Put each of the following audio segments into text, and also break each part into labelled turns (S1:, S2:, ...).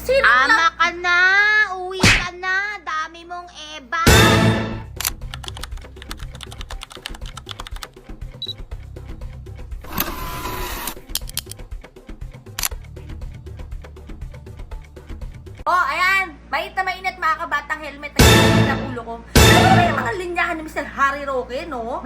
S1: Sino
S2: Ama ka na! Uwi ka na! Dami mong eba!
S1: Oh, ayan! Mainit na mainit mga kabatang helmet na yung ng ulo ko. Ano ba yung mga linyahan ni Mr. Harry Roque, no?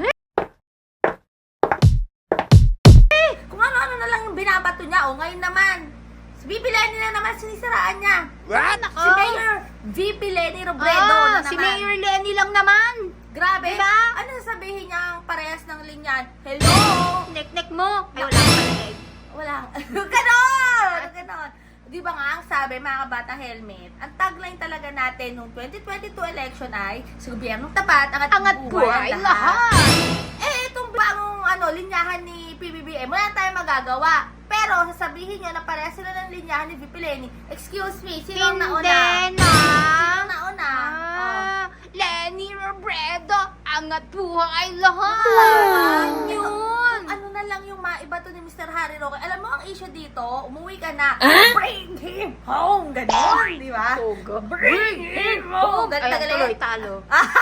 S1: Kung ano-ano na lang yung binabato niya, oh, ngayon naman. Si VP Lenny na naman sinisiraan niya.
S2: What?
S1: Si Mayor VP Lenny Robredo na naman.
S2: Si Mayor Lenny lang naman!
S1: Grabe.
S2: Diba?
S1: Ano sasabihin niya ang parehas ng linyan? Hello!
S2: Nek-nek mo! Ay, wala ka pala eh.
S1: Wala. Ganon! Ganon. Di ba nga, ang sabi mga kabatang helmet, ang tagline talaga natin nung 2022 election ay, sa gobyernong tapat, angat buhay ang lahat. Eh, itong bagong linyahan ni PBBM, wala tayong magagawa. Pero, sasabihin nyo na pareha sila ng linyahan ni VP Lenny. Excuse me, sino ang nauna?
S2: Hindi na!
S1: Sino ang nauna?
S2: Lenny Robredo! Angat buhay lahat! Yun!
S1: Ano na lang yung maiba to ni Mr. Harry Roque. Alam mo, ang issue dito, umuwi ka na, bring him home! Ganon, di ba? Bring him home!
S2: Ay, tuloy, talo.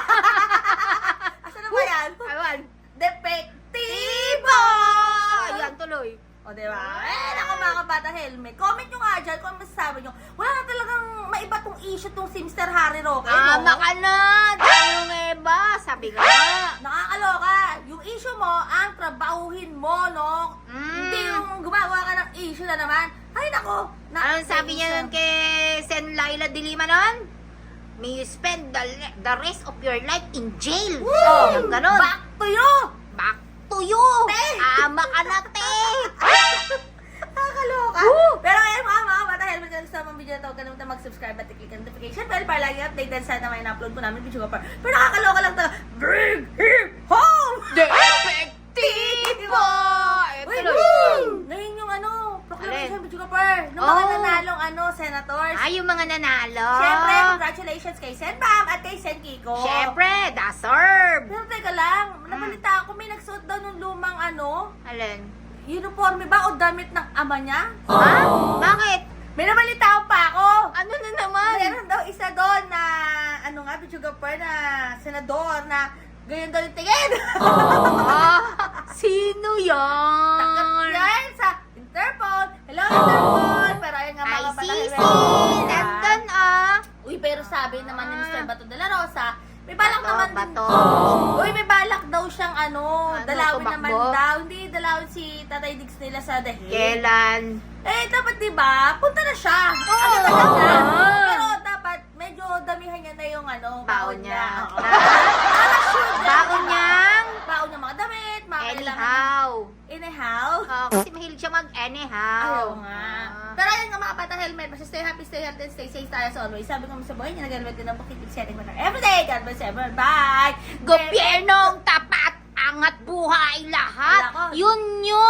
S1: Asa na ba yan?
S2: Aywan.
S1: Depektibo!
S2: Ayan, tuloy.
S1: O, diba? Naku mga kabata helmet. Comment nyo nga dyan kung masasabi nyo. Wala na talagang maiba tong issue tong si Mr. Harry Roque, no?
S2: Ama ka na! Tayong eba! Sabi ka nga.
S1: Nakakaloka. Yung issue mo, ang trabahuhin mo, no? Hindi yung gumagawa ka ng issue na naman. Ay, nako.
S2: Anong sabi niya nun kay Sen Laila de Lima nun? May you spend the rest of your life in jail.
S1: Oh,
S2: Yung ganon.
S1: back to you!
S2: Back to you!
S1: Te!
S2: Ama ka na, te!
S1: Nakakaloka. Pero ayun mga bata, helmet ka sa mga video na ito. Huwag ka naman mag-subscribe at i-click ang notification bell para lagi updated sa na may na-upload po namin video ka pa. Pero nakakaloka lang talaga. Bring him home!
S2: Epektibo!
S1: Uy, ngayon yung proclamation
S2: Alin?
S1: video ka pa. Nung mga nanalong senators.
S2: Ay, yung mga nanalo.
S1: Siyempre, congratulations kay Sen Bam at kay Sen Kiko.
S2: Siyempre, deserve.
S1: Pero teka lang, nabalita ako may nagsuot daw ng lumang
S2: Alin?
S1: uniforme ba o damit ng ama niya?
S2: Ha? Bakit?
S1: May nabalita pa ako.
S2: Ano na naman?
S1: Meron daw isa doon na, videographer na senador na ganyan daw yung tingin.
S2: Sino
S1: Takot
S2: yan?
S1: yan sa Interpol. Hello, Interpol. Pero ayun nga mga
S2: ICC!
S1: kapatid.
S2: Nandun
S1: Uy, pero sabi naman ni Mr. Bato de la Rosa, may balak naman din.
S2: Bato.
S1: Uy, may balak daw siyang dalawin
S2: tumakbo?
S1: naman daw. Hindi, dalawin si Tatay Diggs nila sa The Hague.
S2: Kailan?
S1: Eh, dapat diba, punta na siya.
S2: Oo.
S1: Talaga.
S2: Oo.
S1: Pero dapat, medyo damihan niya na yung
S2: Baon niya.
S1: Oo. Para sure na,
S2: Baon
S1: diba?
S2: niyang?
S1: Baon niya mga damit, mga kailangan.
S2: Anyhow.
S1: Anyhow.
S2: Kasi mahilig siya mag-anyhow.
S1: Ayaw nga. Pero ayun nga mga bata helmet, basta stay happy, stay healthy, and stay safe tayo as always. Sabi ko sa buhay niya, nag-helmet din ang pakitip setting mo na everyday. God bless everyone. Bye!
S2: Gobyernong tapat, angat buhay lahat.
S1: Wala ko.
S2: Yun yun.